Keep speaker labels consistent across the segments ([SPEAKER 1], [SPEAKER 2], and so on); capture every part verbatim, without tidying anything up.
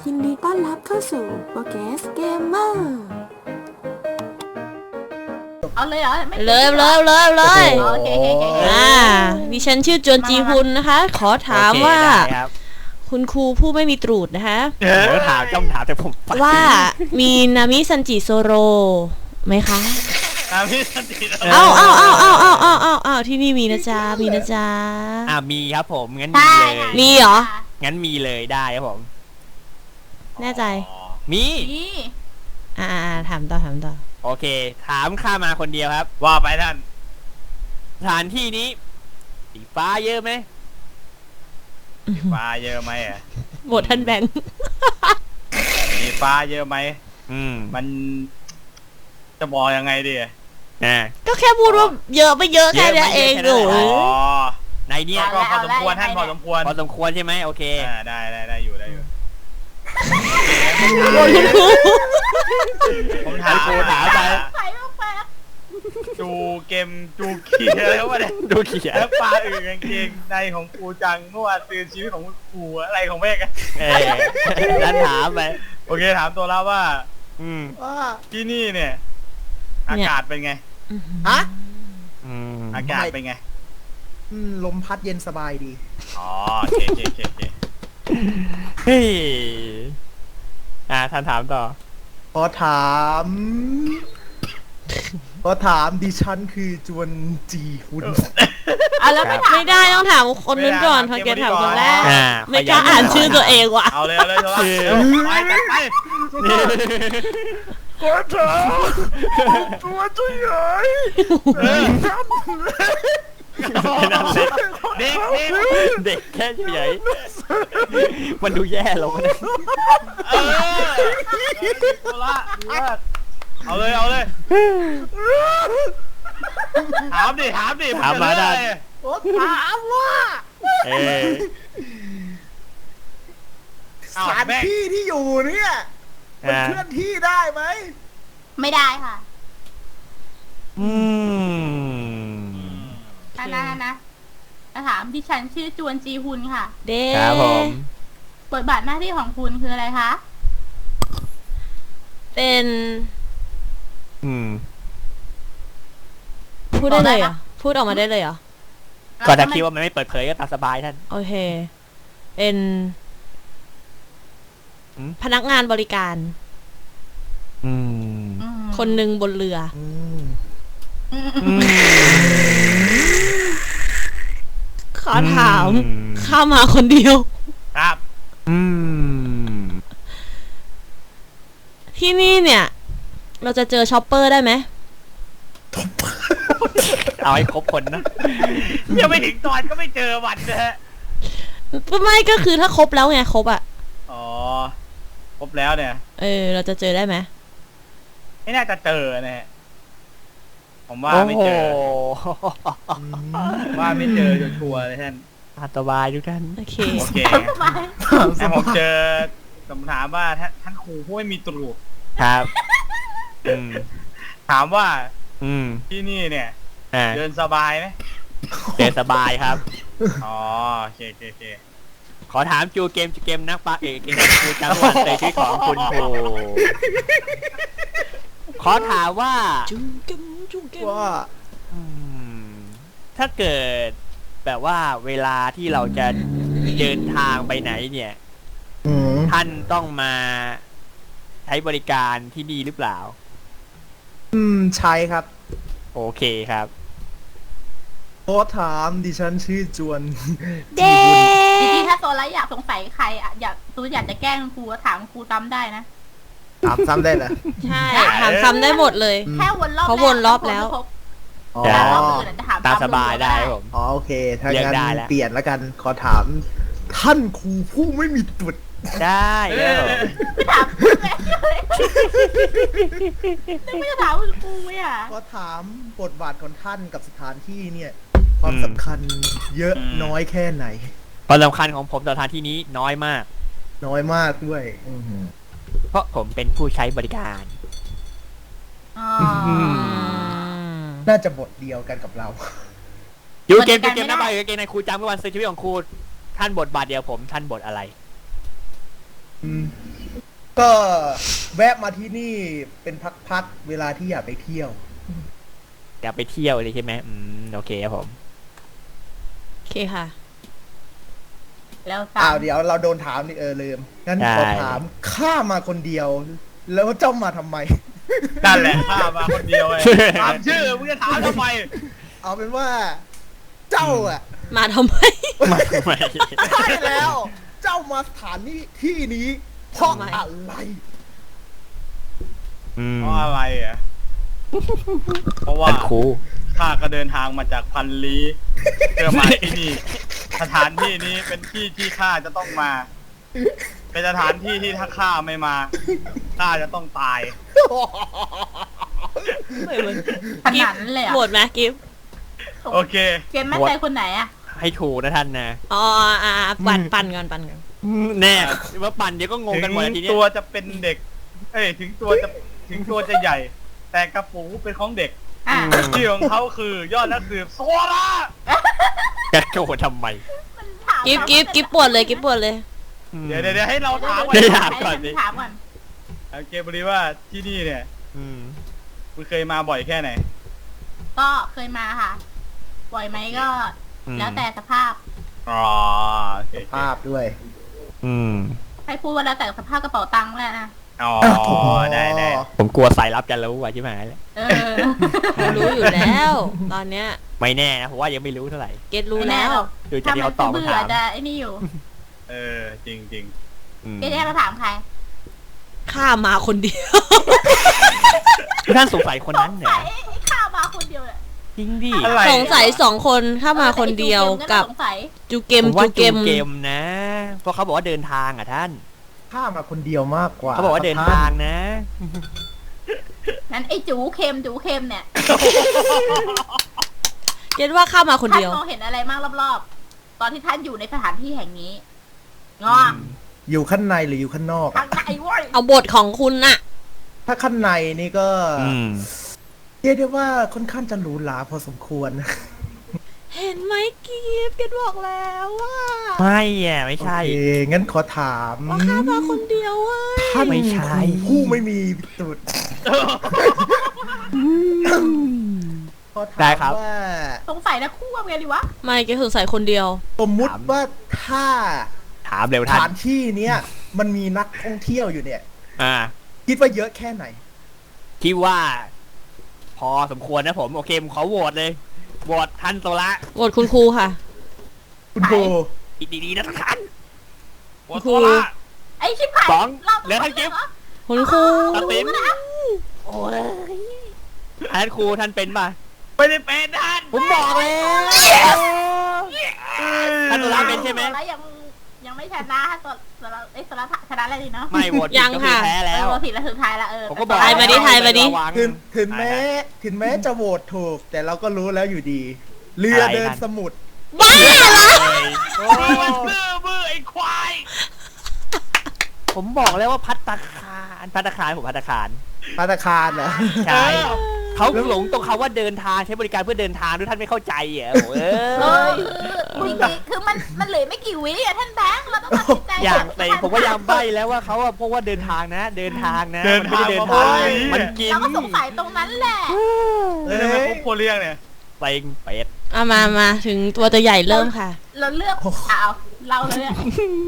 [SPEAKER 1] ยินดีต้อนรับเข้าสู่โปรเกสเกมเมอร์
[SPEAKER 2] เอาเลยเหรอไม่
[SPEAKER 3] เลยเลยเลยเลย
[SPEAKER 2] โอเคโอเคโอเค
[SPEAKER 3] อ่าดิฉันชื่อจวนจีฮุนนะคะ ขอถามว่า คุณครูผู้ไม่มีตรูดนะคะ
[SPEAKER 4] ผมก็ถามจ้องถามแต่ผม
[SPEAKER 3] ว่ามีนามิซันจิโซโรไหมคะ
[SPEAKER 4] นามิซันจิ
[SPEAKER 3] เอ้าเอ้าเอ้าเอ้าเอ้าเอ้าเอ้าเอ้าที่นี่มีนะจ๊ะมีนะจ๊ะ
[SPEAKER 4] อ่ามีครับผมงั้น
[SPEAKER 2] ใช่
[SPEAKER 4] มีเลย
[SPEAKER 2] ค่ะ
[SPEAKER 3] มีเหรอ
[SPEAKER 4] งั้นมีเลยได้ครับผม
[SPEAKER 3] แน่ใจ
[SPEAKER 4] มี
[SPEAKER 2] นี่
[SPEAKER 3] อ่าถามต่อถามต่อ
[SPEAKER 4] โอเค ถามข้ามาคนเดียวครับ ว่าไปท่านสถานที่นี้สีฟ้าเยอะไหมสีฟ้าเยอะไหมอ่ะ
[SPEAKER 3] บทท่านแบงค์
[SPEAKER 5] สีฟ้าเยอะไหม
[SPEAKER 4] อืม
[SPEAKER 5] มันจะบอกยังไงดีอ่ะ
[SPEAKER 4] อ่า
[SPEAKER 3] ก็แค่พูดว่าเยอะไม่เยอะแค่นี้เอง
[SPEAKER 4] เย
[SPEAKER 3] โอ้
[SPEAKER 4] อะไม่
[SPEAKER 3] ย
[SPEAKER 4] เยอะแค่นั้นแหละ
[SPEAKER 5] อ๋อ
[SPEAKER 4] ในเนี้ย
[SPEAKER 5] ก็พอสมควรท่านพอสมควร
[SPEAKER 4] พอสมควรใช่ไหมโอเค
[SPEAKER 5] อ่าได้ได้ได้อยู่ได้อยู่
[SPEAKER 3] โดนคุณครู
[SPEAKER 5] ผมถาม
[SPEAKER 4] ครูถามไป
[SPEAKER 2] ใส่ลูกแป๊บ
[SPEAKER 5] จูเกมจูเขียแล้ววะเนี่ย
[SPEAKER 4] ดูเขียน
[SPEAKER 5] แล้วปลาอื่นกางเกงในของครูจังเมื่อวานตื่นชีวิตของครูอะไรของแม่กัน
[SPEAKER 4] เออนั่นถามไป
[SPEAKER 5] โอเคถามตัวเราว่า
[SPEAKER 4] อืม
[SPEAKER 5] ที่นี่เนี่ย อากาศเป็นไง
[SPEAKER 6] ฮะ
[SPEAKER 4] อืม
[SPEAKER 5] อากาศเป็นไง
[SPEAKER 6] อืมลมพัดเย็นสบายดี
[SPEAKER 5] อ๋อโอเคโอเคโอเคโอเค
[SPEAKER 4] เฮ้ยอ่าท่านถามต่อ
[SPEAKER 6] ขอถามขอถามดิฉันคือจวนจีคุณ
[SPEAKER 2] เอาแล้วไม่ถาม
[SPEAKER 3] ไม่ได้ต้องถามคนนู้นก่อนทอเกตถามคนแรก
[SPEAKER 4] อ่า
[SPEAKER 3] ไม่กล้าอ่านชื่อตัวเองว่ะ
[SPEAKER 5] เอาเลยเอาเลยตัวเราไปกันไป
[SPEAKER 6] ขอถามตัวจะใหญ่
[SPEAKER 5] เออ
[SPEAKER 4] นั่นเลย
[SPEAKER 5] เด็กเด็ก
[SPEAKER 4] เด็กแค่ใหญ่ๆมันดูแย่ลงนะ
[SPEAKER 5] เออตัวละดีมากเอาเลยเอาเลยถามดิถามดิ
[SPEAKER 4] ถามมาได้
[SPEAKER 6] ขอถามว่า
[SPEAKER 4] เออ
[SPEAKER 6] สถานที่ที่อยู่เนี่ยมัน
[SPEAKER 4] อ่า
[SPEAKER 6] เคลื่อนที่ได้ไหม
[SPEAKER 2] ไม่ได้ค่ะ
[SPEAKER 4] อืม
[SPEAKER 2] นะนะนะนะถามดิฉันชื่อจวนจีฮุนค่ะ
[SPEAKER 3] เด้
[SPEAKER 4] ครับผม
[SPEAKER 2] บทบาทหน้าที่ของคุณคืออะไรคะ
[SPEAKER 3] เป็น
[SPEAKER 4] อืม
[SPEAKER 3] พูดได้เลยเหรอพูดออกมาได้เลยเหรอ
[SPEAKER 4] ก็ถ้าคิดว่ามันไม่เปิดเผยก็ตามสบายท่าน
[SPEAKER 3] โอเค เป็น
[SPEAKER 4] อืม
[SPEAKER 3] พนักงานบริการ
[SPEAKER 4] อืม
[SPEAKER 2] อืม
[SPEAKER 3] คนหนึ่งบนเรือ
[SPEAKER 6] อืม
[SPEAKER 2] อืม
[SPEAKER 4] อืม
[SPEAKER 3] ขอถาม
[SPEAKER 4] อืม
[SPEAKER 3] เข้ามาคนเดียว
[SPEAKER 5] ครับ
[SPEAKER 4] อืม
[SPEAKER 3] ที่นี่เนี่ย เราจะเจอช็อปเปอร์ได้ไหม
[SPEAKER 4] เอาให้ครบคนนะ
[SPEAKER 5] ยังไม่ถึงตอนก็ไม่เจอวันนะฮะ
[SPEAKER 3] ไม่ก็คือถ้าครบแล้วไงครบอ่ะ
[SPEAKER 5] อ๋อครบแล้วเนี่ย
[SPEAKER 3] เออ เราจะเจอได้ไหม
[SPEAKER 5] ไม่น่าจะเจอนะฮะผมว่า
[SPEAKER 4] โอ้
[SPEAKER 5] ไม่
[SPEAKER 4] โห
[SPEAKER 5] เจอว่าไม่เจอชัวร์ๆเลยท่าน
[SPEAKER 4] อันตรายทุกท่าน
[SPEAKER 3] โอเค
[SPEAKER 5] โอเค
[SPEAKER 2] ทำไม
[SPEAKER 5] แต่ผมเจอผมถามว่าท่านท่านครูผู้ไม่มีตรู
[SPEAKER 4] ครับ อืม
[SPEAKER 5] ถามว่า
[SPEAKER 4] อืม
[SPEAKER 5] ที่นี่เนี่ย
[SPEAKER 4] อ่า
[SPEAKER 5] เดินสบายไหม
[SPEAKER 4] เดินสบายครับ
[SPEAKER 5] อ๋อโอเคโอเคโอเค
[SPEAKER 4] ขอถามจูเกมจูเกมนักปลาเอกเกมครูจังหวัดในชีวิตของคุณครูขอถามว่า
[SPEAKER 3] จุงเกมจุงเกม
[SPEAKER 6] ว่า
[SPEAKER 4] อืมถ้าเกิดแบบว่าเวลาที่เราจะเดินทางไปไหนเนี่ย
[SPEAKER 6] อืม
[SPEAKER 4] ท่านต้องมาใช้บริการที่นี่หรือเปล่า
[SPEAKER 6] อืมใช่ครับ
[SPEAKER 4] โอเคครับ
[SPEAKER 6] ขอถามดิฉันชื่อจวน
[SPEAKER 3] เด้
[SPEAKER 2] จริงๆถ้าตัวไรอยากสงสัยใครอ่ะอยากตัวอยากจะแกล้งครูก็ถามครูซ้ำได้นะ
[SPEAKER 6] ถามซ้ำได้เหรอ
[SPEAKER 3] ใช่ถามซ้ำได้หมดเลย
[SPEAKER 6] อืม
[SPEAKER 2] แค่วนรอบ
[SPEAKER 3] เขาวนรอบแล้ว
[SPEAKER 2] ครบ
[SPEAKER 6] อ๋อ
[SPEAKER 2] แต่รอบอื่นอะจะถาม
[SPEAKER 4] ตาม
[SPEAKER 2] ซ้ำ
[SPEAKER 4] สบายได้ครับผม
[SPEAKER 6] อ๋อโอเค ถ้า
[SPEAKER 4] เลือก
[SPEAKER 6] งั้น
[SPEAKER 4] ได้แล้ว
[SPEAKER 6] เปลี่ยนแล้วกัน ขอถาม ท่านครูผู้ไม่มีตรุษ
[SPEAKER 4] ได้ครับผม
[SPEAKER 2] ไม่ถามครูไงเลยนึกไม่จะถามคุณครูอ่ะ
[SPEAKER 6] ขอถามบทบาทของท่านกับสถานที่เนี่ย ความสำคัญเยอะน้อยแค่ไหน
[SPEAKER 4] ความสำคัญของผมต่อทางที่นี้น้อยมาก
[SPEAKER 6] น้อยมากด้วยอื้อหือ
[SPEAKER 4] เพราะผมเป็นผู้ใช้บริการ
[SPEAKER 2] อ๋อ
[SPEAKER 6] น่าจะบทเดียวกันกับเรา
[SPEAKER 4] อยู่เกม
[SPEAKER 2] บริ
[SPEAKER 4] อยู่
[SPEAKER 2] การ
[SPEAKER 4] เกม
[SPEAKER 2] ไม่
[SPEAKER 4] นะ
[SPEAKER 2] ได้
[SPEAKER 4] ไปอยู่เกมในครูจำเมื่อวันซื้อชีวิตของครูท่านบทบาทเดียวผมท่านบทอะไร
[SPEAKER 6] อืมก็แวะมาที่นี่เป็นพักๆเวลาที่อยากไปเที่ยว
[SPEAKER 4] อยากไปเที่ยวเลยใช่ไหมอืมโอเคครับผม
[SPEAKER 3] โอเคค่ะ
[SPEAKER 2] แล้ว
[SPEAKER 6] อ้า
[SPEAKER 2] สาว ม
[SPEAKER 6] เดี๋ยวเราโดนถามนี่เออลืมงั้น
[SPEAKER 4] ได้
[SPEAKER 6] ขอถามข้ามาคนเดียว แล้วเจ้ามาทำไม
[SPEAKER 5] นั่นแหละข้ามาคนเดียวเลยถามชื่อมึงจะถามทำไม
[SPEAKER 6] เอาเป็นว่า เจ้าอ่ะ
[SPEAKER 3] มาทำไม
[SPEAKER 4] ไม่ไม่
[SPEAKER 6] ใช่แล้ว เจ้ามาสถานที่ที่นี้ เพราะ
[SPEAKER 3] ทำไม
[SPEAKER 6] อะไร
[SPEAKER 4] อืม
[SPEAKER 5] เพราะอะไรอ่ะเพราะว่า
[SPEAKER 4] ท่านครู
[SPEAKER 5] ข้าก็เดินทางมาจากพันลี้เพื่อมาที่นี่ สถานที่นี้เป็นที่ที่ข้าจะต้องมา เป็นสถานที่ที่ถ้าข้าไม่มาข้าจะต้องตาย
[SPEAKER 3] ไม่เหมือน
[SPEAKER 2] ขนาดนั้นเลยเหร
[SPEAKER 3] หม
[SPEAKER 2] อ่ะ
[SPEAKER 3] ดไหมกิฟต์
[SPEAKER 5] โอเค
[SPEAKER 2] เกมมั่นใจคนไหนอ่ะ
[SPEAKER 4] ให้ถูกนะท่านนะ
[SPEAKER 3] อ๋ออ่าปั่นปั่นก่อนปั่นก่อน
[SPEAKER 4] แน่ว่าปั่นเดี๋ยวก็งงกันหมด
[SPEAKER 5] ถึ
[SPEAKER 4] ที
[SPEAKER 5] ง
[SPEAKER 4] เนี้ย
[SPEAKER 5] ตัวจะเป็นเด็ก เอ้ยถึงตัวจะถึงตัวจะใหญ่ แต่กระปูเป็นของเด็ก
[SPEAKER 2] อ่ะ
[SPEAKER 5] ชื่อของเขาคือยอดนักสืบโซล่า
[SPEAKER 4] แกโกรธทำไม
[SPEAKER 2] มันถาม
[SPEAKER 3] กิฟต์กิฟต์กิฟต์ปวดเลยกิฟต์ปวดเลย
[SPEAKER 5] เดี๋ยวเดี๋ยวเดี๋ยวให้เราถามก่อน
[SPEAKER 4] เดี๋ยว
[SPEAKER 2] ถาม
[SPEAKER 4] ก่อนดิ
[SPEAKER 2] ถามก่อน
[SPEAKER 5] โอเคบริว่าที่นี่เนี่ย
[SPEAKER 4] อืม
[SPEAKER 5] คุณเคยมาบ่อยแค่ไหน
[SPEAKER 2] ก็เคยมาค่ะ บ่อยไหมก็
[SPEAKER 4] อืม
[SPEAKER 2] แล้วแต่สภาพ
[SPEAKER 5] อ๋อโอเค
[SPEAKER 6] ภาพด้วย
[SPEAKER 4] อืม
[SPEAKER 2] ให้พูดว่าแล้วแต่สภาพกระเป๋าตังค์แหละนะ
[SPEAKER 5] อ๋อได้ได้
[SPEAKER 4] ผมกลัวสายลับจะรู้ว่าใช่ไหมแล้ว
[SPEAKER 2] เออ
[SPEAKER 3] รู้อยู่แล้ว ตอนเนี้ย
[SPEAKER 4] ไม่แน่นะผมว่ายังไม่รู้เท่าไหร่
[SPEAKER 3] เกตรู้แล้ว
[SPEAKER 4] ดูจาก
[SPEAKER 2] ถ้า
[SPEAKER 4] ที่
[SPEAKER 2] มัน
[SPEAKER 4] เขาตอบ
[SPEAKER 2] เบื่
[SPEAKER 4] คำ
[SPEAKER 2] อ
[SPEAKER 4] ถาม
[SPEAKER 2] จะไอ้นี่อยู่
[SPEAKER 5] เออจริงจริง
[SPEAKER 4] อืม
[SPEAKER 2] เกจะมาถามใคร
[SPEAKER 3] ข้ามาคนเดียว
[SPEAKER 4] ท่านสงสัยคนนั้นเหรอ
[SPEAKER 2] ไอ้ไอ้ข้าวมาคนเดียวเนี่ย
[SPEAKER 4] จริงดิ
[SPEAKER 5] อะไร
[SPEAKER 3] สงสัยสองคนข้ามาคนเดียวกับ
[SPEAKER 2] สงสัย
[SPEAKER 3] จูเกม
[SPEAKER 4] ผมว่า
[SPEAKER 3] จูเก
[SPEAKER 4] จู
[SPEAKER 3] ม
[SPEAKER 4] เกมนะ เพราะเขาบอกว่าเดินทางอ่ะท่าน
[SPEAKER 6] ข้ามาคนเดียวมากกว่า
[SPEAKER 4] เขาบอกว่าเดินทางนะ
[SPEAKER 2] นั้นไอ้จูเค็มจูเค็มเนี่ย
[SPEAKER 3] เกตว่าข้ามาคน
[SPEAKER 2] ท่าน
[SPEAKER 3] เดียว
[SPEAKER 2] มองเห็นอะไรบ้างรอบๆ ตอนที่ท่านอยู่ในสถานที่แห่งนี้งอ
[SPEAKER 6] อยู่ข้างในหรืออยู่ข้างนอก
[SPEAKER 2] ทา
[SPEAKER 6] อะ
[SPEAKER 2] งไหนเว้ย
[SPEAKER 3] เอาบทของคุณน่ะ
[SPEAKER 6] ถ้าข้างในนี่ก็
[SPEAKER 4] อืม
[SPEAKER 6] เรียกได้ว่าค่อนข้างจะหรูหราพอสมควร
[SPEAKER 3] เห็นไหมกิฟต์เกตบอกแล้วว่า
[SPEAKER 4] ไม่อ่ะไม่ใช่
[SPEAKER 6] โอเคงั้นขอถาม
[SPEAKER 3] ว่าข้ามาคนเดียวเว้ย
[SPEAKER 6] ท่าน
[SPEAKER 4] ไม่ใช่
[SPEAKER 6] ผู้ไม่มีตุดขอ
[SPEAKER 4] ได้
[SPEAKER 6] ถาม
[SPEAKER 4] ครับ
[SPEAKER 6] ว่า
[SPEAKER 2] สงสัยนะคู่ว่าไงดีวะ
[SPEAKER 3] ไม่เกตสงสัยคนเดียว
[SPEAKER 6] สมมุติว่าถ้า
[SPEAKER 4] ถามเร็ว
[SPEAKER 6] ส
[SPEAKER 4] ท่าน
[SPEAKER 6] ถานที่เนี้ยมันมีนักท่องเที่ยวอยู่เนี่ย
[SPEAKER 4] อ่า
[SPEAKER 6] คิดว่าเยอะแค่ไหน
[SPEAKER 4] คิดว่า พอสมควรนะผมโอเคผมขอโหวตเลยโหวตท่านโซละ
[SPEAKER 3] บทคุณครูค่ะ
[SPEAKER 6] คุณโบ
[SPEAKER 4] อีกดีๆนะท่าน
[SPEAKER 5] โอ้โซล่า
[SPEAKER 2] ไอ้ชิบหาย
[SPEAKER 4] สอง
[SPEAKER 2] เรา
[SPEAKER 4] เหลือท่านกิฟต์
[SPEAKER 3] คุณครู
[SPEAKER 4] ตัดสินโอ้ยท่านครูท่านเป็นป่ะ
[SPEAKER 5] ไม่ได้เป็นท่าน
[SPEAKER 4] ผมบอกแล้วท่านโซละเป็นใช่ไหม
[SPEAKER 2] แล้วยังยังไม่ชนะถ้าตัวตัวเราไอ้ยตัวเราชนะอะไรดีเนาะ
[SPEAKER 4] ไม่โหวตผิดก็คือแพ้แล้ว
[SPEAKER 2] เออผิดแล้วสุดท้ายแล้วเออ
[SPEAKER 4] ผมก็บอก
[SPEAKER 3] ทายมาดิทายมาดิ
[SPEAKER 4] ระวัง
[SPEAKER 6] ถึงถึงแม้ถึงแม้จะโหวตถูก แต่เราก็รู้แล้วอยู่ดี เรือเดินสมุทร
[SPEAKER 3] บ้าเหรอ
[SPEAKER 4] โอ้
[SPEAKER 5] มือมันซื่อมือไอ้ควาย
[SPEAKER 4] ผมบอกแล้วว่าพัตตาคารพัตตาคารผมพัตตาคาร
[SPEAKER 6] พัตตาคารเหรอ
[SPEAKER 4] ใช่เขาหลงตรงคำว่าเดินทางใช้บริการเพื่อเดินทางด้วยท่านไม่เข้าใจเหรอโอ้
[SPEAKER 2] เอ
[SPEAKER 4] เอ้
[SPEAKER 2] อย คือจริงๆคือมันมันเหลือไม่กี่วิอ่ะท่านแบงค์เราต้องตัดสินใจ
[SPEAKER 4] อย่างแต่ผมก็ยังใบ้แล้วว่าเขาอะเพราะว่าเดินทางนะ เดินทางนะ
[SPEAKER 5] เดิน
[SPEAKER 4] มันไม่
[SPEAKER 5] ทาง
[SPEAKER 4] ได้เดิน
[SPEAKER 5] มา
[SPEAKER 4] ทาง
[SPEAKER 5] โอ้ย
[SPEAKER 4] มันกิน
[SPEAKER 2] เราก็สงสัยตรงนั้นแหละ
[SPEAKER 5] เอ้ยทำไมพบโพเลียงเนี่ย
[SPEAKER 4] เต็งเป็ด
[SPEAKER 3] เอามามาถึงตัวจะใหญ่เริ่มค่ะ
[SPEAKER 2] เราเลือกอ้าวเราเลยอะ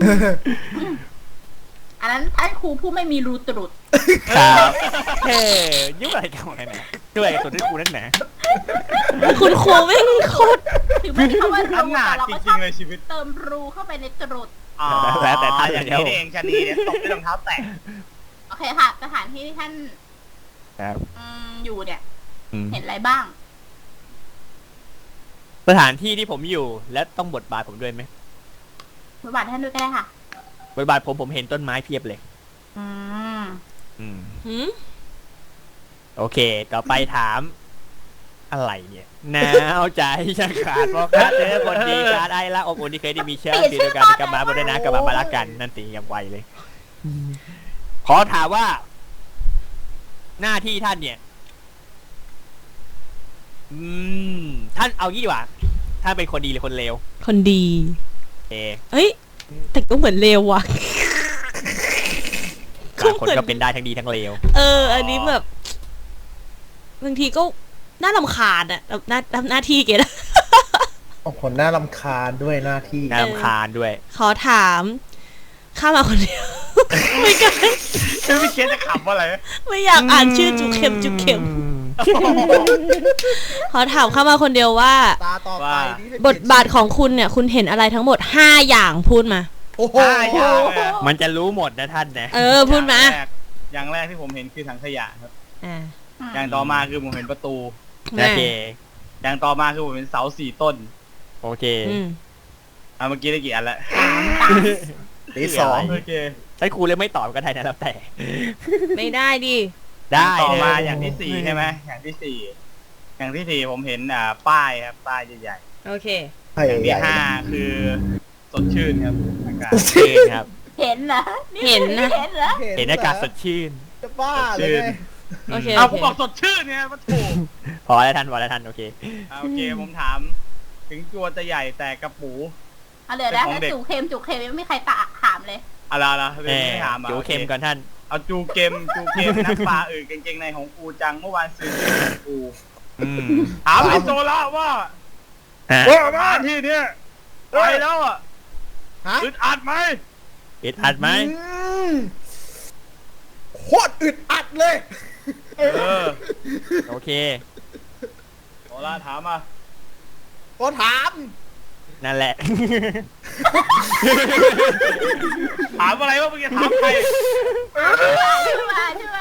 [SPEAKER 2] อันนั้นท่านครูผู้ไม่มีรูตรุด
[SPEAKER 4] ครับเฮ้ยยุ่งอะไรกันวะเนี่ยยุ่งอะไรกับตัวที่กูนั่นแหละ
[SPEAKER 3] คุณครูไม่งโคตร
[SPEAKER 2] ถึงไม่มีคำว่า
[SPEAKER 5] ข
[SPEAKER 2] รู
[SPEAKER 5] นา
[SPEAKER 2] แต่
[SPEAKER 5] ด
[SPEAKER 2] เรา
[SPEAKER 5] จ
[SPEAKER 2] ก็ช
[SPEAKER 5] ริ
[SPEAKER 2] อง บ
[SPEAKER 5] ๆเลยชีวิต
[SPEAKER 2] เติมรูเข้าไปในตรุด
[SPEAKER 5] อ๋อ
[SPEAKER 4] แล้วแต่ท่าน
[SPEAKER 5] อย่าง
[SPEAKER 4] เดียว
[SPEAKER 5] นี้เองชะนีเนี่ยตกด้วยรองเท้าแตะ
[SPEAKER 2] โอเคค่ะ สถานที่ที่ท่าน
[SPEAKER 4] ครับ
[SPEAKER 2] อืมอยู่เนี่ย
[SPEAKER 4] อืม
[SPEAKER 2] เห็นอะไรบ้าง
[SPEAKER 4] สถานที่ที่ผมอยู่และต้องบทบาทผมด้วยไหม
[SPEAKER 2] บทบาทท่านด้วยก็ได้ค่ะ
[SPEAKER 4] บทบาทผมผมเห็นต้นไม้เพียบเลย
[SPEAKER 2] อืม
[SPEAKER 4] อืม
[SPEAKER 3] หืม
[SPEAKER 4] โอเค ต่อไปถาม อะไรเนี่ยหนาวใจจะขาดเพราะขาดเจอคนดีขาดไอ้ละอบอุ่นที่เคยได้มีเชื้อสีเดียวกันกลับมาบนนะกลับมามารักกันนั่นตีอย่างไวเลย ขอถามว่า หน้าที่ท่านเนี่ย อืม ท่านเอางี้ดีกว่าท่านเป็นคนดีหรือคนเลว
[SPEAKER 3] คนดี
[SPEAKER 4] เอ
[SPEAKER 3] เอ้ย แต่ก็เหมือนเลวว่ะ
[SPEAKER 4] บางคนก็เป็นได้ทั้งดีทั้งเลว
[SPEAKER 3] เออ อันนี้แบบบางทีก็น่ารำคาญอะหน้าหน้าที่เกด
[SPEAKER 6] โอ้โหน่ารำคาญด้วยหน้าที่
[SPEAKER 4] น่ารำคาญด้วย
[SPEAKER 3] ขอถามข้ามาคนเดียว ไม่กล้า
[SPEAKER 5] พี่เคสจะขำอะไร
[SPEAKER 3] ไม่อยากอ่านชื่อจุกเข็มจุกเข็ม ขอถามข้ามาคนเดียวว่า
[SPEAKER 6] ตาต่อไปนี่
[SPEAKER 3] บทบาทของคุณเนี่ย คุณเห็นอะไรทั้งหมดห้าอย่างพูดมา
[SPEAKER 6] โอ้โห
[SPEAKER 5] ห้าอย่างเลยอะ
[SPEAKER 4] มันจะรู้หมดนะท่านนะ
[SPEAKER 3] เออ พูดมา
[SPEAKER 5] อย่างแรกอย่างแรกที่ผมเห็นคือถังขยะครับ
[SPEAKER 3] อ่า
[SPEAKER 5] อย่างต่อมาคือผมเห็นประตู
[SPEAKER 4] โอเค
[SPEAKER 5] อย่างต่อมาคือผมเห็นเสาสี่ต้น
[SPEAKER 4] โอเค
[SPEAKER 3] อืม
[SPEAKER 5] อ่ะเมื่อกี้ได้กี่อันละ
[SPEAKER 6] ตีสอง
[SPEAKER 5] โอเค
[SPEAKER 4] ใช้ครูเลยไม่ตอบก็ได้นะแล้วแต่
[SPEAKER 3] ไม่ได้ดิ
[SPEAKER 4] ได้
[SPEAKER 5] ต่อมา
[SPEAKER 4] เลย
[SPEAKER 5] อย่างที่สี่ใช่ไหมอย่างที่สี่อย่างที่สี่ผมเห็นอ่าป้ายครับป้ายใหญ่
[SPEAKER 3] โอเค
[SPEAKER 6] ให้
[SPEAKER 5] ๆอย่าง
[SPEAKER 6] ให
[SPEAKER 5] ที่
[SPEAKER 6] ญ่
[SPEAKER 5] ห้าคือสดชื่นครับอากาศ
[SPEAKER 4] โอเคครับ
[SPEAKER 2] เห็นเหรอ
[SPEAKER 3] เห็นนะ
[SPEAKER 2] เห็นเหรอ
[SPEAKER 4] เห็นอากาศสดชื่น
[SPEAKER 6] จะบ้าเลยไง
[SPEAKER 3] โอเค
[SPEAKER 5] เอา
[SPEAKER 3] โอ
[SPEAKER 5] ผม
[SPEAKER 3] เค
[SPEAKER 5] บอกสดชื่นเนี่ยมันถูก
[SPEAKER 4] พอแล้วท่านพอแล้วท่านโอเค
[SPEAKER 5] อ่ะโอเคผมถาม ถึงตัวจะใหญ่แต่กระปู
[SPEAKER 2] เอาเดี๋ยวนะ
[SPEAKER 5] เป็นของเด็ก
[SPEAKER 2] จุกเค็มจุกเค็มยังไม่มีใครตะถามเลย
[SPEAKER 5] อะไรอะไร
[SPEAKER 4] แห
[SPEAKER 5] ไม่
[SPEAKER 4] ม
[SPEAKER 5] ถามอ่ะ
[SPEAKER 4] จูเค็มก่อนท่าน
[SPEAKER 5] เอาจูเกมจูเกมนักปลาอื่นเก่งๆในของกูจังเมื่อวานซื้อของกู
[SPEAKER 4] อืม
[SPEAKER 5] ถามพี่โซล่าว่า
[SPEAKER 4] ฮะ
[SPEAKER 5] ว่าบ้านที่เนี้ยไปแล้วอ่ะ
[SPEAKER 6] ฮะ
[SPEAKER 5] อึดอัดไหม
[SPEAKER 4] อิดอัดไหม
[SPEAKER 6] อืมโคตรอึดอัดเลย
[SPEAKER 5] เออ
[SPEAKER 4] โอเค
[SPEAKER 5] โซล่าถามอ่ะ
[SPEAKER 6] ขอถาม
[SPEAKER 4] นั่นแหละ
[SPEAKER 5] ถามอะไรวะมึงจะถามใคร
[SPEAKER 2] ใช่ไหมใช่ไหม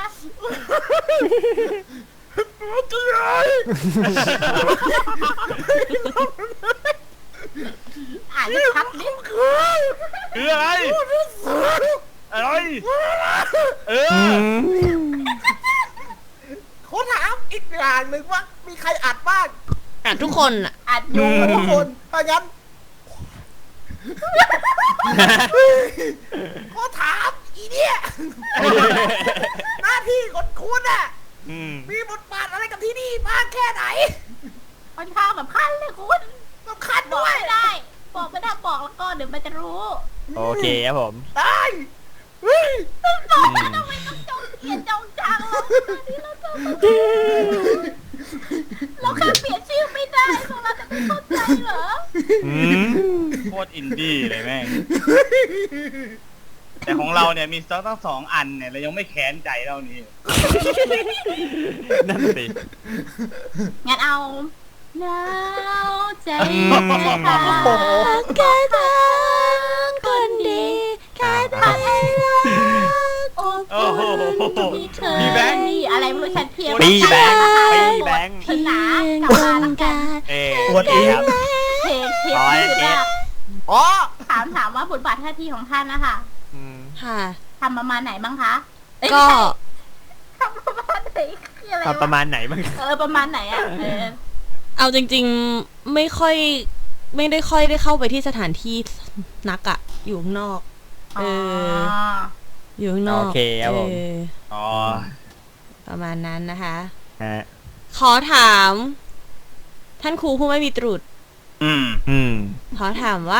[SPEAKER 2] อ่านชัดๆดิ
[SPEAKER 5] คืออะไรอะไรเออ
[SPEAKER 6] ขอถามอีกอย่างหนึ่งว่ามีใครอัดบ้าง
[SPEAKER 3] อ่ะทุกคนอ่ะ
[SPEAKER 2] อ่านอยู่
[SPEAKER 6] ทุกคนถ้างั้นขอถามอีเนี่ยหน้าที่ของคุณอ่ะ
[SPEAKER 4] อืม
[SPEAKER 6] มีบทบาทอะไรกับที่นี่มากแค่ไหน
[SPEAKER 2] ค่อนข้างแบบขั้นเลยคุณ
[SPEAKER 6] สำคัญ
[SPEAKER 2] บอก
[SPEAKER 6] ด้วย
[SPEAKER 2] ไม่ได้ บอกไม่ได้บอกแล้วก็เดี๋ยวมันจะรู้
[SPEAKER 4] โอเคครับผม
[SPEAKER 6] ได้เฮ้ย
[SPEAKER 4] อืม
[SPEAKER 2] ทำไมต้องจ้องเกลียดจ้องจังเราตอนนี้เราจะเราแค่เปลี่ยนชื่อไม่ได้พวกเราจะไม่เข้าใจเหรอ
[SPEAKER 4] อืม
[SPEAKER 5] โคตรอินดี้เลยแม่ง แต่ของเราเนี่ยมีสต็อกตั้งสองอันเนี่ยเรายังไม่แค้นใจเรานี่
[SPEAKER 4] นั่นสิ
[SPEAKER 2] งั้นเอาหนาวใจ
[SPEAKER 4] อืม
[SPEAKER 2] นะคะ
[SPEAKER 6] โอ้โห
[SPEAKER 3] กระทั่งคนดีกระทั่งให้รัก
[SPEAKER 2] โอ้
[SPEAKER 5] โอ้โห
[SPEAKER 2] ที่เธอ
[SPEAKER 5] มีแบงค์
[SPEAKER 2] นี่อะไรไม่รู้ฉันเพียง
[SPEAKER 4] ปีแบงค์
[SPEAKER 2] นะคะ
[SPEAKER 4] ปีแบงค์
[SPEAKER 2] หมดหนากลับมาแล้วกัน
[SPEAKER 4] เอ
[SPEAKER 6] ปวดอีก
[SPEAKER 4] ครับ
[SPEAKER 2] เพลงเพลง
[SPEAKER 4] อ๋อ
[SPEAKER 2] ยืด
[SPEAKER 4] เก็ต
[SPEAKER 2] อะ
[SPEAKER 6] อ๋อ
[SPEAKER 2] ถามถามว่าบทบาทหน้าที่ของท่านนะคะ
[SPEAKER 4] อืม
[SPEAKER 3] ค่ะ
[SPEAKER 2] ทำประมาณไหนบ้างคะเอ้ย
[SPEAKER 3] ก็
[SPEAKER 2] ไม่ใช่ทำประมาณไหนคืออะไร
[SPEAKER 4] ทำประ
[SPEAKER 2] วะ
[SPEAKER 4] มาณไหนบ้าง
[SPEAKER 2] เออประมาณไหนอ่ะเออ
[SPEAKER 3] เอาจริงๆไม่ค่อย ไม่ได้ค่อยได้เข้าไปที่สถานที่นักอะอยู่ข้างนอก เออ อยู่ข้างนอก
[SPEAKER 4] โอเคครับผม
[SPEAKER 3] เออ
[SPEAKER 5] อ๋อ
[SPEAKER 3] ประมาณนั้นนะคะ
[SPEAKER 4] ฮะ
[SPEAKER 3] ขอถาม ท่านครูผู้ไม่มีตรุษ
[SPEAKER 5] อืม
[SPEAKER 4] อืม
[SPEAKER 3] ขอถามว่า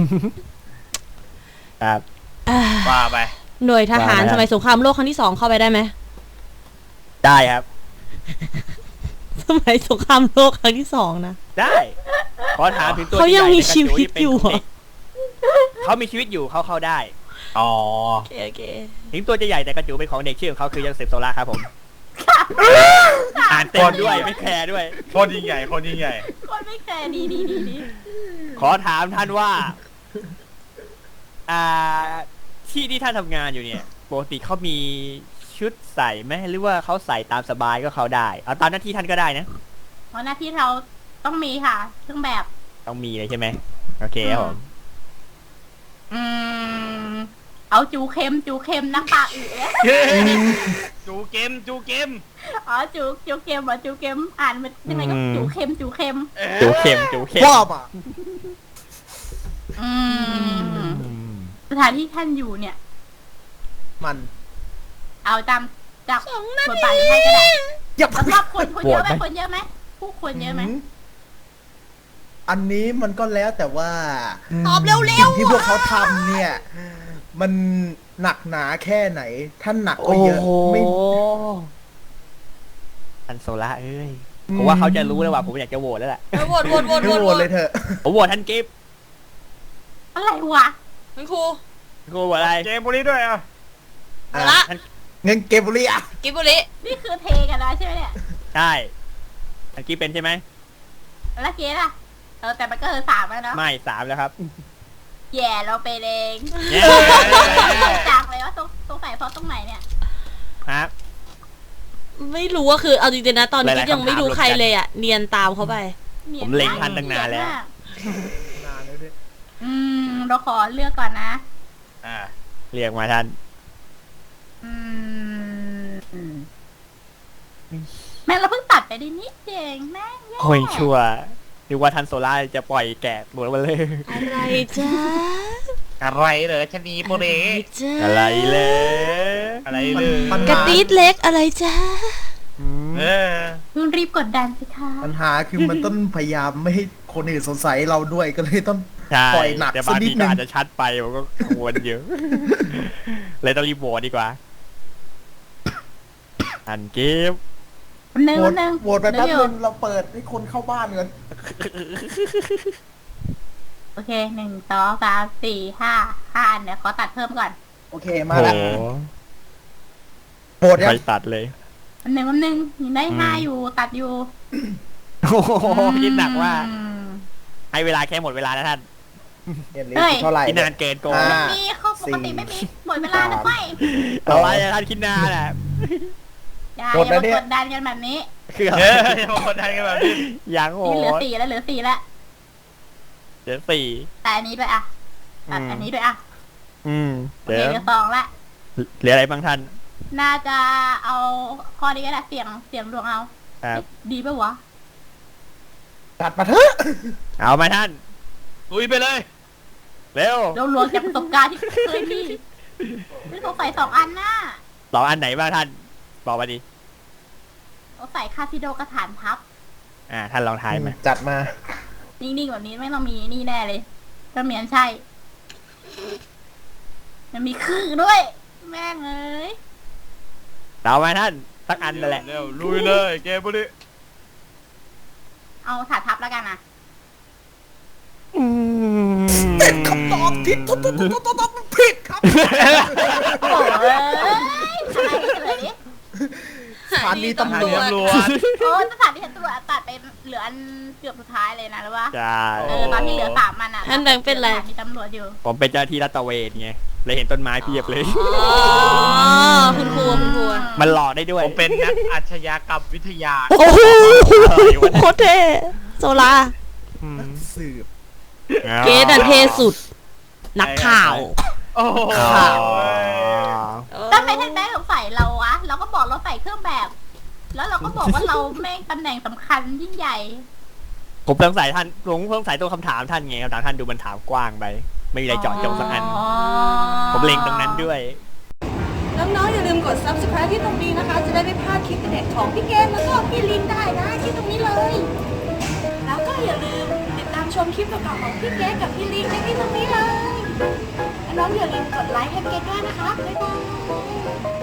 [SPEAKER 4] ครับ
[SPEAKER 3] อ่า
[SPEAKER 5] ว่าไป
[SPEAKER 3] หน่วยทหาร
[SPEAKER 4] ว่าไงครับ
[SPEAKER 3] สมัยสงครามโลกครั้งที่สองเข้าไปได้ไหม
[SPEAKER 4] ได้ครับ
[SPEAKER 3] สมัยสงครามโลกครั้งที่สองนะ
[SPEAKER 4] ได้ ขอถามถึงตัว
[SPEAKER 3] เขายัง
[SPEAKER 4] ใหญ่
[SPEAKER 3] มี
[SPEAKER 4] ในกระ
[SPEAKER 3] ชีวิต
[SPEAKER 4] จุที่เป็น
[SPEAKER 3] อยู่เหรอ
[SPEAKER 4] เด็กเขามีชีวิตอยู่เขาเข้าได้
[SPEAKER 5] อ๋อ
[SPEAKER 3] โอเคโอเค
[SPEAKER 4] ถึงตัวจะใหญ่แต่กระจุเป็นของเด็กชื่อของเขาคือยังเสพโซล่าครับผม อ่านเต็มด้วยไม่แคร์ด้วย
[SPEAKER 5] โคตรยิ่งใหญ่โคตรยิ่งใหญ่
[SPEAKER 2] คนไม่แคร์ดีดีดีดี
[SPEAKER 4] ขอถามท่านว่า อ่า ที่ที่ท่านทำงานอยู่เนี่ย ปกติเขามีชุดใส่ไหมหรือว่าเขาใส่ตามสบายก็เขาได้ เอาตามหน้าที่ท่านก็ได้นะ
[SPEAKER 2] เพราะหน้าที่เราต้องมีค่ะเครื่องแบบ
[SPEAKER 4] ต้องมีเลยใช่ไหมโอเคครับผม
[SPEAKER 2] อืมเอาจูเค็มจูเค็มน้ำปลาอือ
[SPEAKER 5] จูเกมจูเกม
[SPEAKER 2] อ๋อจูจูเค็มเหรอจูเค็มอ่านมันยังไงก็จูเค็มจูเค็ม
[SPEAKER 4] จูเข็มจูเข็ม
[SPEAKER 6] ว่าป่ะ
[SPEAKER 2] อืม
[SPEAKER 4] อืม
[SPEAKER 2] สถานที่ท่านอยู่เนี่ย
[SPEAKER 6] มัน
[SPEAKER 2] เอาตามจากบทบาทของท่านก็ได้
[SPEAKER 6] อย่า
[SPEAKER 2] สำหรับคนคนเยอะไหมคนเยอะไหมผู้คนเยอะไหม
[SPEAKER 6] อันนี้มันก็แล้วแต่ว่า
[SPEAKER 3] ตอบเร็วๆ
[SPEAKER 6] สิ่งที่พวกเขาทำเนี่ยมันหนักหนาแค่ไหน ท่านหนักก็เยอะไม่
[SPEAKER 4] ทันโซล่าเอ้ยผมว่าเขาจะรู้แล้วว่าผมอยากจะโหวตแล้วแหละ
[SPEAKER 3] เออโหวตโหวตโหวต
[SPEAKER 6] ไม่
[SPEAKER 3] โหวต
[SPEAKER 6] โห
[SPEAKER 3] โห
[SPEAKER 6] ว
[SPEAKER 3] ว
[SPEAKER 6] ต
[SPEAKER 3] ต
[SPEAKER 6] เลยเถอะ
[SPEAKER 4] ผมโหวตท่านกิฟต์
[SPEAKER 2] อะไรวะ
[SPEAKER 3] คุณครู
[SPEAKER 4] กูโหวตอะไร
[SPEAKER 5] เกมบุรีด้วยอ่ะ
[SPEAKER 3] เอาละ
[SPEAKER 6] เงินเกมบุรีอ่ะ
[SPEAKER 3] กิบบุริ
[SPEAKER 2] นี่คือเทกันนะใช่ไหมเนี่ย
[SPEAKER 4] ใช่ท่านกิฟต์เป็นใช่ไหม
[SPEAKER 2] แล้วเกสอะเออแต่มันก็คือสามแล้วเนาะ
[SPEAKER 4] ไม่สามแล้วครับ
[SPEAKER 2] แย่เราไปเอง
[SPEAKER 4] เย้
[SPEAKER 2] จังเลยว่าตรงตรงไหนเพราะตรงไหนเนี่ย
[SPEAKER 4] ฮะ
[SPEAKER 3] ไม่รู้ว่าคือเอาจริงๆนะตอนนี้
[SPEAKER 4] หลายๆ
[SPEAKER 3] ก็ยังไม่รู้
[SPEAKER 4] คำถาม
[SPEAKER 3] ใครเลยอ่ะเนียนตามเขาไป
[SPEAKER 4] ผมเล็งทันตั้งนานแล้ว
[SPEAKER 6] นานแล้วด้วย
[SPEAKER 2] อืมเราขอเลือกก่อนนะ
[SPEAKER 5] อ่า
[SPEAKER 4] เรียกมาท่าน
[SPEAKER 2] อืมแม่งเราเพิ่งตัดไปได้นิดเองแม่งแย่
[SPEAKER 4] โอ้ยชัวร์ดูว่าท่านโซล่าจะปล่อยแกะหมดมาเลย
[SPEAKER 3] อะไรจ้า
[SPEAKER 5] อะไรเหรอชะนีบุรี
[SPEAKER 3] อะไรจ้า
[SPEAKER 4] อะไรเลย
[SPEAKER 5] อะไรเลย
[SPEAKER 6] ปัญ
[SPEAKER 3] กระ
[SPEAKER 6] หา
[SPEAKER 3] ตีดเล็กอะไรจ้า
[SPEAKER 4] อืม
[SPEAKER 5] เออ
[SPEAKER 2] คุณรีบกดดันสิคะ
[SPEAKER 6] ปัญหาคือมันต้องพยายามไม่ให้คนอื่นสงสัยเราด้วยก็เลยต้อง
[SPEAKER 4] ใช่
[SPEAKER 6] ปล่อยหนัก
[SPEAKER 4] แต่
[SPEAKER 6] สั
[SPEAKER 4] บาก ง
[SPEAKER 6] นิ
[SPEAKER 4] ที
[SPEAKER 6] ด
[SPEAKER 4] ก็
[SPEAKER 6] นึง
[SPEAKER 4] อาจจะชัดไปผมก็กังวลเยอะ เลยต้องรีบโหวตดีกว่าท่านกิฟต์
[SPEAKER 2] หนึ่ง
[SPEAKER 6] โหวต
[SPEAKER 2] หนึ่ง
[SPEAKER 6] โหวตไปแป๊บ
[SPEAKER 2] เดี๋ยว
[SPEAKER 6] นึงเราเปิดให้คนเข้าบ้านกัน
[SPEAKER 2] โอเคหนึ่งสองสามสี่ห้าห้าอันเดี๋ยวขอตัดเพิ่มก่อน
[SPEAKER 6] โอเคมาแล้ว
[SPEAKER 4] โอ้
[SPEAKER 6] โหวตยัง
[SPEAKER 4] ไปตัดเลย
[SPEAKER 2] อันหนึ่งอันหนึ่งยังได้
[SPEAKER 4] อืม
[SPEAKER 2] ห้าอยู่ตัดอยู่
[SPEAKER 4] โอ้โหคิดหนักว่า
[SPEAKER 2] อืม
[SPEAKER 4] ให้เวลาแค่หมดเวลานะท่าน
[SPEAKER 6] เห็นหรือ
[SPEAKER 2] เฮ้ย
[SPEAKER 6] เท่าไหร่
[SPEAKER 4] คิดนานเกินโกง
[SPEAKER 6] อ่า
[SPEAKER 2] มีเขาปกติไม่มีหมดเวลานะไม่
[SPEAKER 4] เอาไว้ท่านคิดนานแหละ
[SPEAKER 2] อย่าอย่ามากดดันกันแบบนี้
[SPEAKER 4] คือ
[SPEAKER 5] เอออย่ามาคนไทยกันแบบนี้
[SPEAKER 4] ยังโห
[SPEAKER 2] นี่เหลือ
[SPEAKER 4] ด
[SPEAKER 2] สี่แล้วเหลือสี่แล้ว
[SPEAKER 4] เดี๋ยวสี่
[SPEAKER 2] แต่อันนี้ด้วยอ่ะตัด
[SPEAKER 4] อืม
[SPEAKER 2] อันนี้ด้วยอ่ะ
[SPEAKER 4] อืม
[SPEAKER 2] โอ
[SPEAKER 4] เดี๋
[SPEAKER 2] เค
[SPEAKER 4] ยว
[SPEAKER 2] เหลือสองละ
[SPEAKER 4] เหลืออะไรบ้างท่าน
[SPEAKER 2] น่าจะเอาข้อนี้ก็ได้เสียงเสียงดวงเอา
[SPEAKER 4] ครับ
[SPEAKER 2] ดีป่ะวะ
[SPEAKER 6] ตัดมาเถอะ
[SPEAKER 4] เอามาท่าน
[SPEAKER 5] ลุยไปเลย
[SPEAKER 4] เร็ว
[SPEAKER 2] เราลวงจากประสบการณ์ที่เคยมีนี่เขาใส่สองอันน่ะ
[SPEAKER 4] ต่ออันไหนบ้างท่าน บอกมาดิ
[SPEAKER 2] เขาใส่คาซิโดกระฐานทับ
[SPEAKER 4] อ่า ท่านลองทายมา
[SPEAKER 6] จัดมา
[SPEAKER 2] นิ่งๆแบบนี้ไม่ต้องมีนี่แน่เลยก็เหมียนใช่ มันมีคือด้วย แม่งเอ้ย
[SPEAKER 4] เอามาท่าน สักอันนั่นแหละ
[SPEAKER 5] เร็วลุยเลยเกมบุรี
[SPEAKER 2] เอาถาทับแล้วกันนะ
[SPEAKER 6] เป็นคำตอบที่ตอบตอบตอบตอบตอบผิดครับ
[SPEAKER 2] โอ้ยอะไรเลยดิ
[SPEAKER 6] สถานีตำรวจ
[SPEAKER 5] ตำรวจ
[SPEAKER 2] โอ้สถานที่ตำรวจตัดไปเหลืออันเกือบสุดท้ายเลยนะหรือว่า
[SPEAKER 4] ใช่
[SPEAKER 2] เออตอนที่เหลือสามมันอ่ะ
[SPEAKER 3] ท่านแบงค์เป็นไร
[SPEAKER 2] สถานีตำรวจอยู่
[SPEAKER 4] ผมเป็นเจ้าหน้าที่รัตระเวนไง เลยเห็นต้นไม้เพียบเลย
[SPEAKER 3] อ๋อคุณครูคุณครู
[SPEAKER 4] มันหลอกได้ด้วย
[SPEAKER 5] ผมเป็นนักอาชญากรรมวิทยา
[SPEAKER 3] โอ้โหโคตรเท่โซล่า
[SPEAKER 4] อืม
[SPEAKER 6] สืบ
[SPEAKER 3] เกดอะเท่สุด นักข่าว
[SPEAKER 5] โอ้โห
[SPEAKER 4] อ๋อ
[SPEAKER 2] ถ้าไม่ท่านแบงค์สงสัยเราอะเราก็บอกเราใส่เครื่องแบบ แล้วเราก็บอกว่าเราแม่งตำแหน่งสำคัญยิ่งใหญ่
[SPEAKER 4] ผมสงสัยท่านผมสงสัยตัวคำถามท่านไงคำถามท่านดูมันถามกว้างไป ไม่มีอะไรเจาะจงสักอัน ผมเล็งตรงนั้นด้วย
[SPEAKER 1] น้องๆอย่าลืมกด ซับสไครบ์ ที่ตรงนี้นะคะ จะได้ไม่พลาดคลิปเด็ดของพี่เกมแล้วก็พี่ลินได้นะที่ตรงนี้เลย แล้วก็อย่าลืมติดตามชมคลิปต่อๆของพี่เกมกับพี่ลินได้ที่ตรงนี้เลยและน้องอย่าลืมกดไลค์ให้เกมด้วยนะคะบ๊ายบาย